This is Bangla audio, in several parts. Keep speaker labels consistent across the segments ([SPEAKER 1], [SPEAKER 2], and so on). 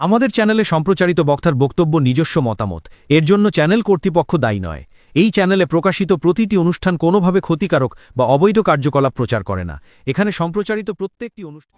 [SPEAKER 1] আমাদের চ্যানেলে সম্প্রচারিত বক্তার বক্তব্য নিজস্ব মতামত, এর জন্য চ্যানেল কর্তৃপক্ষ দায়ী নয়। এই চ্যানেলে প্রকাশিত প্রতিটি অনুষ্ঠান কোনোভাবে ক্ষতিকারক বা অবৈধ কার্যকলাপ প্রচার করে না। এখানে সম্প্রচারিত প্রত্যেকটি অনুষ্ঠান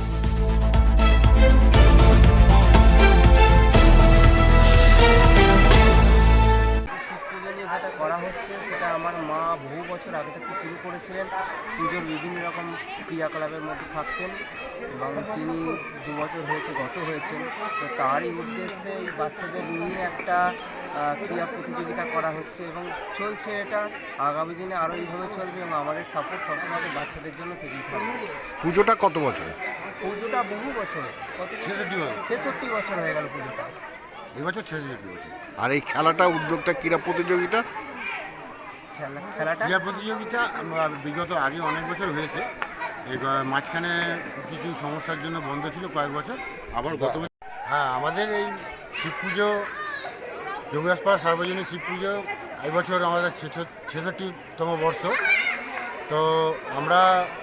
[SPEAKER 2] যেটা করা হচ্ছে সেটা আমার মা বহু বছর আগে থেকে শুরু করেছিলেন। পুজোর বিভিন্ন রকম ক্রিয়াকলাপের মধ্যে থাকতেন এবং তিনি 2 বছর হয়েছে গত হয়েছেন। তো তারই উদ্দেশ্যে এই বাচ্চাদের নিয়ে একটা ক্রিয়া প্রতিযোগিতা করা হচ্ছে এবং চলছে এটা। আগামী দিনে আরও এইভাবে চলবে এবং আমাদের সাপোর্ট সবসময় বাচ্চাদের জন্য থেকেই থাকবে।
[SPEAKER 3] পুজোটা কত বছর?
[SPEAKER 2] পুজোটা বহু বছর, 66 বছর হয়ে গেল পুজোটা।
[SPEAKER 3] এবছর 66 বছর। আর এই খেলাটা, উদ্যোগটা ক্রীড়া প্রতিযোগিতা
[SPEAKER 2] খেলাটা
[SPEAKER 4] ক্রীড়া প্রতিযোগিতা বিগত আগে অনেক বছর হয়েছে। এই মাঝখানে কিছু সমস্যার জন্য বন্ধ ছিল কয়েক বছর, আবার গত বছর। হ্যাঁ, আমাদের এই শিব পুজো, যোগেশপাড়া সার্বজনীন শিব পুজো এবছর আমাদের 66তম বর্ষ। তো আমরা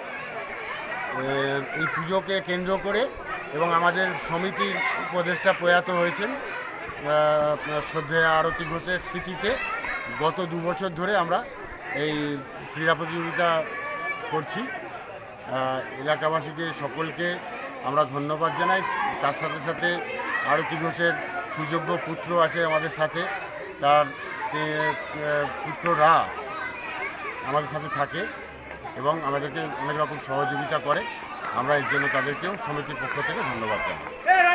[SPEAKER 4] এই পুজোকে কেন্দ্র করে এবং আমাদের সমিতির উপদেষ্টা প্রয়াত হয়েছেন শ্রদ্ধেয় আরতি ঘোষের স্মৃতিতে গত 2 বছর ধরে আমরা এই ক্রীড়া প্রতিযোগিতা করছি। এলাকাবাসীকে সকলকে আমরা ধন্যবাদ জানাই। তার সাথে সাথে আরতি ঘোষের সুযোগ্য পুত্র আছে আমাদের সাথে, তার পুত্ররা আমাদের সাথে থাকে এবং আমাদেরকে অনেক রকম সহযোগিতা করে। আমরা এর জন্য তাদেরকেও সমিতির পক্ষ থেকে ধন্যবাদ জানাই।